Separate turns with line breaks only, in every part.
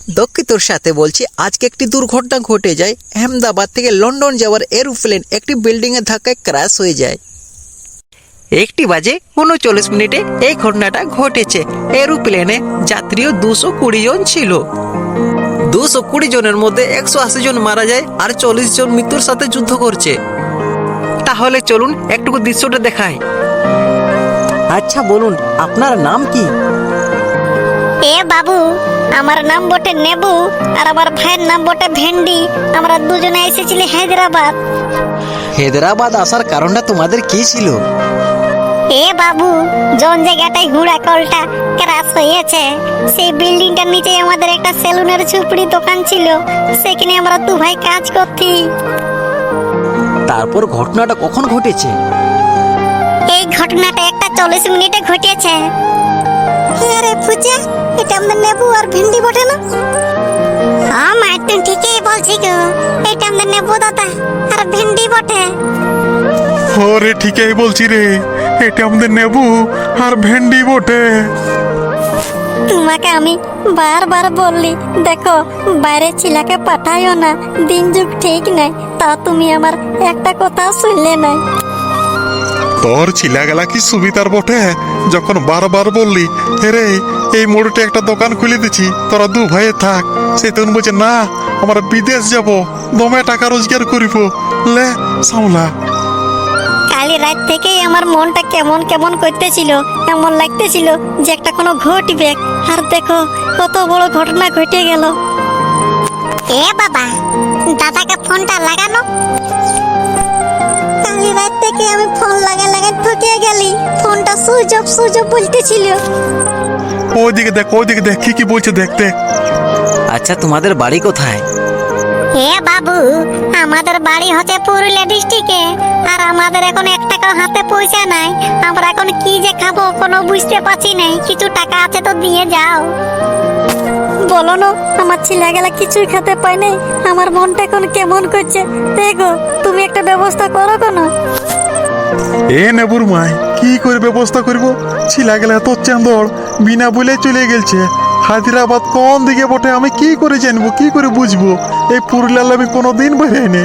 দুঃখিতর সাথে বলছি, আজকে একটি দুর্ঘটনা ঘটে যায়। আহমেদাবাদ থেকে লন্ডন যাওয়ার এরোপ্লেন একটি বিল্ডিং এর ধাক্কায় ক্র্যাশ হয়ে যায়। 1:39 এই ঘটনাটা ঘটেছে। এরোপ্লেনে যাত্রীও 220 জন ছিল। 220 জনের মধ্যে 180 জন মারা যায় আর 40 জন মৃত্যুর সাথে যুদ্ধ করছে। তাহলে চলুন একটু দৃশ্যটা দেখাই। আচ্ছা বলুন, আপনার নাম কি?
এ বাবু, আমার নাম বটে নেবু আর আমার ভাইয়ের নাম বটে ভেন্ডি। আমরা দুজনে এসেছিলি হায়দ্রাবাদ।
হায়দ্রাবাদ আসার কারণটা তোমাদের কি ছিল?
এ বাবু, জন জায়গাটায় ঘোড়া কলটা ক্রাশ হয়েছে, সেই বিল্ডিংটার নিচে আমাদের একটা সেলুনের ঝুপড়ি দোকান ছিল। সেখানে আমরা দু ভাই কাজ করতি।
তারপর ঘটনাটা কখন ঘটেছে?
এই ঘটনাটা 1:40 ঘটেছে। আরে পূজা, এটা আমাদের নেবু আর ভেন্ডি বটে না? হ্যাঁ মা, তুই ঠিকই বলছি গো, এটা আমাদের নেবু দাদা আর ভেন্ডি বটে।
ওরে ঠিকই বলছি রে, এটা আমাদের নেবু আর ভেন্ডি বটে।
তোমাকে আমি বারবার বললি, দেখো বাইরে ছিলাকে পাঠাইও না, দিন যুগ ঠিক নাই, তা তুমি আমার একটা কথা শুনলে নাই।
তোর ছিলা গেলা কি সুবিধার বটে, যখন বারবার বললি রে এই মোড়ে একটা দোকান খুলে দিছি, তোরা দু ভাইয়ে থাক। সে তখন বলছে না, আমরা বিদেশ যাব, দমে টাকা রোজগার করিব, লে সামলা।
কালি রাত থেকেই আমার মনটা কেমন কেমন করতেছিল, এমন লাগতেছিল যে একটা কোনো ঘটবে। আর দেখো কত বড় ঘটনা ঘটে গেল। এ বাবা, দাদাকে ফোনটা লাগানো। কালি রাত থেকে আমি ফোন লাগা ঠকে গেলি, ফোনটা সুইচ অফ বলতেছিল।
ওইদিকে দেখ কি বলছে দেখতে।
আচ্ছা, তোমাদের বাড়ি কোথায়?
হে বাবু, আমাদের বাড়ি হচ্ছে পুরুলিয়া ডিস্ট্রিক্টে, আর আমাদের এখন 1 টাকা হাতে পয়সা নাই। আমরা এখন কি যে খাবো কোনো বুঝতে পারছি নাই। কিছু টাকা আছে তো দিয়ে যাও। বলো না, আমার ছেলেগুলা কিছুই খেতে পায় নাই, আমার মনটা এখন কেমন করছে। দেখো তুমি একটা ব্যবস্থা করো কেন?
এ নেবুর মাই, কি করে ব্যবস্থা করব? ছিলা গেলে এত চাঁদর বিনা বলে চলে গেছে। হায়দ্রাবাদ কোন দিকে বটে আমি কি করে জানবো, কি করে বুঝবো? এই পুরুলিয়ার আমি কোনোদিন বেরোয়নি।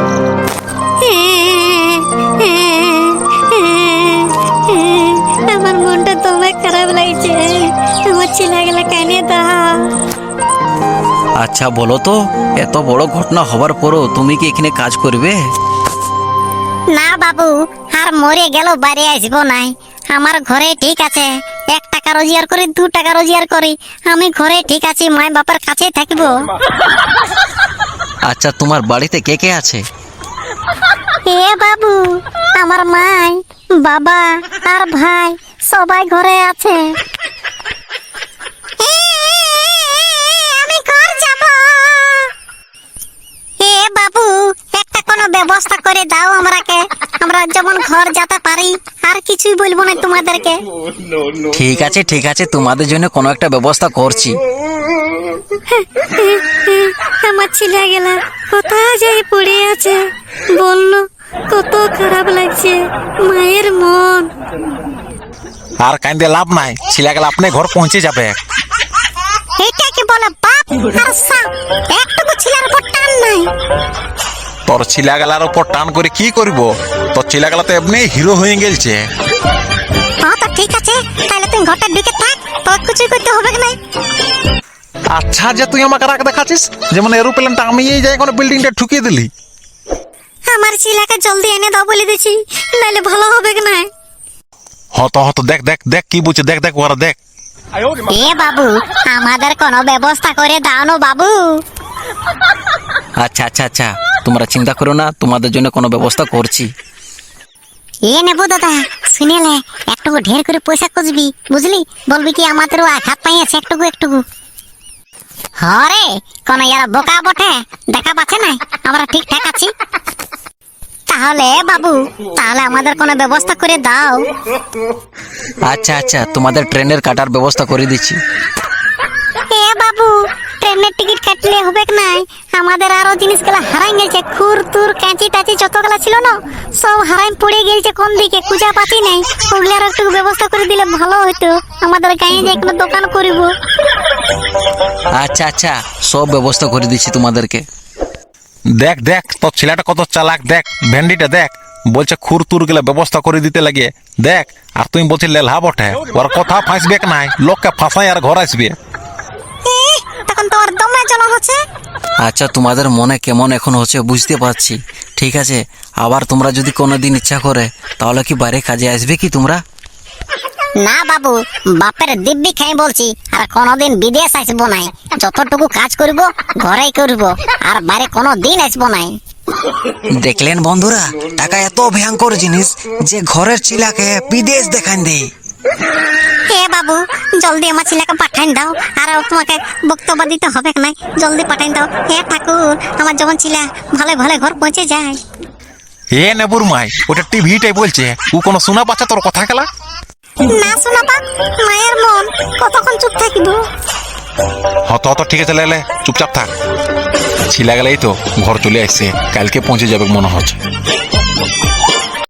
আমার মনটা তোমায় খারাপ লাগছে, আমার ছেলেগুলা কানে দাও।
আচ্ছা বলো তো, এত বড় ঘটনা হবার পরও তুমি কি এখানে কাজ করবে?
না বাবু, আর মরে গেল বাইরে আসবো নাই। আমার ঘরে ঠিক আছে, 1 টাকা রোজগার করি, 2 টাকা রোজগার করি, আমি ঘরে ঠিক আছি, মাই বাবার কাছেই থাকবো।
আচ্ছা, তোমার বাড়িতে কে কে আছে?
এ বাবু, আমার মাই, বাবা আর ভাই সবাই ঘরে আছে। আমি ঘর যাব। এ বাবু, একটা কোনো ব্যবস্থা করে দাও আমরাকে, আমরা যেমন ঘর যেতে পারি। আর কিছুই বলবো না তোমাদেরকে।
ঠিক আছে, তোমাদের জন্য কোনো একটা ব্যবস্থা করছি।
আমার ছেলে গেলা কোথায় যাই পড়ে আছে, বললো কত খারাপ লাগছে মায়ের মন।
আর কান্দে লাভ নাই, ছিলা গেলে আপনি ঘর পৌঁছে যাবে।
এটা কি বলে বাপ আর সাপ, একটুকু ছেলের উপর টান নাই।
তোর ছিলা গেলার উপর টান করে কি করব? তোর ছিলা গেলা তো এমনি হিরো হয়ে গেলছে।
হ্যাঁ তো ঠিক আছে, তাহলে তুই ঘরটা ঢুকে থাক, তোর কিছুই করতে হবে না।
আচ্ছা, যে তুই আমাকে রাখ দেখাচ্ছিস, যেমন এরোপ্লেনটা আমি এই যাই কোনো বিল্ডিংটা ঠুকিয়ে দিলি।
আমার ছেলেকে জলদি এনে দাও বলে দিছি, নাহলে ভালো হবে না।
হতো দেখ কি বলছে, দেখ ওরা দেখ।
এ বাবু, আমাদের কোনো ব্যবস্থা করে দাও না বাবু।
আচ্ছা, তোমরা চিন্তা করো না, তোমাদের জন্য কোনো ব্যবস্থা করছি।
এ নেবো দাদা, শুনেলে একটু ঢের করে পয়সা খুঁজবি, বুঝলি? বলবি কি আমাদেরও আঘাত পাইয়াছে একটু। হরে কোন ইয়ার বোকা বটে, দেখা পাচ্ছে না আমরা ঠিকঠাক আছি। তাহলে বাবু, তাহলে আমাদের কোনো ব্যবস্থা করে দাও।
আচ্ছা, তোমাদের ট্রেনের কাটার ব্যবস্থা করে দিচ্ছি।
এ বাবু, ট্রেনের টিকিট কাটলে হবে না? আমাদের আরো জিনিসগুলো হারাই গেছে, খুর তুর কাঁচি টাচি যতগুলা ছিল না সব হারাই পড়ে গেছে, কোন দিকে খুঁজা পাচ্ছি নাই। ওগুলার একটু ব্যবস্থা করে দিলে ভালো হতো। আমাদের গায়ে যে কোনো দোকান করব।
আচ্ছা আচ্ছা, সব ব্যবস্থা করে দিচ্ছি তোমাদেরকে।
দেখ দেখ তোর ছেলেটা কত চালাক, দেখ ভেন্ডিটা দেখ, বলছে খুর তুর গেলে ব্যবস্থা করে দিতে লাগে। দেখ, আর তুমি বলছি লেলহা বটে, ওর কথা ফাঁসবে নাই, লোককে ফাঁসাই আর ঘর আসবে।
তখন তো ওর দমে জ্বালা হচ্ছে।
আচ্ছা, তোমাদের মনে কেমন এখন হচ্ছে বুঝতে পারছি। ঠিক আছে, আবার তোমরা যদি কোনোদিন ইচ্ছা করে তাহলে কি বাইরে কাজে আসবে কি তোমরা?
না বাবু, বাপের দিব্যি খাই বলছি, আর কোনোদিন বিদেশ আসবো নাই। যতটুকু কাজ করব ঘরেই করব, আর বাইরে কোনো দিন আসবো নাই।
দেখলেন বন্ধুরা, টাকা এত ভয়ঙ্কর জিনিস যে ঘরের ছেলেকে বিদেশ দেখান দেয়।
হে বাবু, জলদি আমার ছেলেকে পাঠাই দাও, আর তোমাকে বক্তব্য দিতে হবে না, জলদি পাঠাই দাও। হে ঠাকুর, আমার যখন ছেলে ভালো ভালো ঘর পৌঁছে যায়।
এ নেবুর মাই, ওটা টিভিটাই বলছে, ও কোনো শোনা পাচ্ছে তোর কথা খেলা?
না শোনা পাক, মায়ের মন কতক্ষণ চুপ থাকিব।
হত হত, ঠিক আছে লেলে, চুপচাপ থাক। ছিলা গেলেই তো ঘর চলে আসছে, কালকে পৌঁছে যাবে মনে হচ্ছে।